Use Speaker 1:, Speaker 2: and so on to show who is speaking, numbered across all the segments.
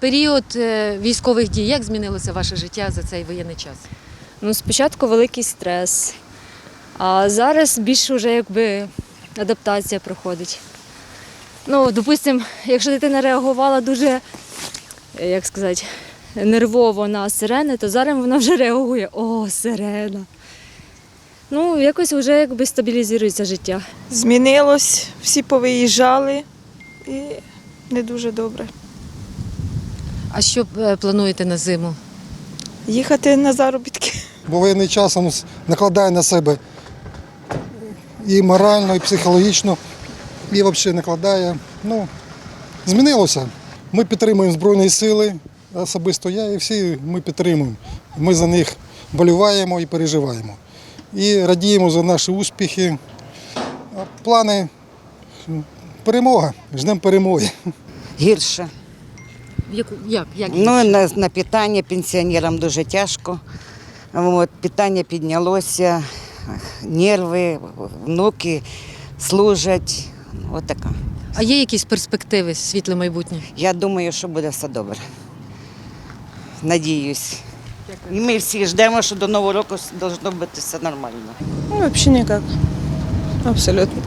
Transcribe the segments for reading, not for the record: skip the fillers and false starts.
Speaker 1: період військових дій, як змінилося ваше життя за цей воєнний час?
Speaker 2: Ну, спочатку великий стрес, а зараз більше вже якби адаптація проходить. Ну, допустимо, якщо дитина реагувала дуже, як сказати, нервово на сирени, то зараз вона вже реагує: о, сирена. Ну, якось вже якби стабілізується життя.
Speaker 3: Змінилось, всі повиїжджали і не дуже добре.
Speaker 1: А що плануєте на зиму?
Speaker 3: Їхати на заробітки.
Speaker 4: Бо воєнний час накладає на себе і морально, і психологічно, і взагалі накладає. Ну, змінилося. Ми підтримуємо Збройні Сили, особисто я і всі ми підтримуємо. Ми за них боліваємо і переживаємо. І радіємо за наші успіхи. Плани – перемога, ждемо перемоги.
Speaker 5: Гірше.
Speaker 1: Як?
Speaker 5: Ну, на питання пенсіонерам дуже тяжко. От, питання піднялося, нерви, внуки служать. От така.
Speaker 1: А є якісь перспективи, світле майбутнє?
Speaker 5: Я думаю, що буде все добре. Надіюсь. І ми всі ждемо, що до Нового року має бути все нормально.
Speaker 3: Ну, взагалі ніяк. Абсолютно.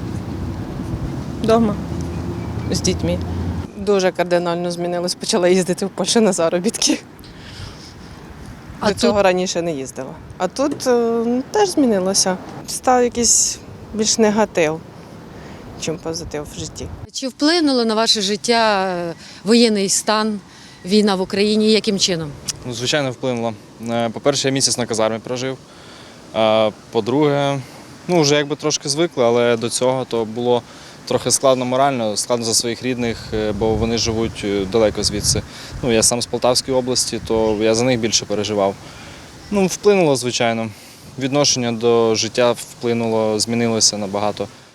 Speaker 3: Дома. З дітьми.
Speaker 6: Дуже кардинально змінилось. Почала їздити в Польщу на заробітки.
Speaker 1: А
Speaker 6: До цього раніше не їздила. А тут теж змінилося. Став якийсь більш негатив, ніж позитив в житті.
Speaker 1: Чи вплинуло на ваше життя воєнний стан, війна в Україні? Яким чином?
Speaker 7: Ну, звичайно, вплинуло. По-перше, я місяць на казармі прожив. А по-друге, ну, вже якби трошки звикли, але до цього то було трохи складно морально, складно за своїх рідних, бо вони живуть далеко звідси. Ну, я сам з Полтавської області, то я за них більше переживав. Ну, вплинуло, звичайно. Відношення до життя вплинуло, змінилося набагато.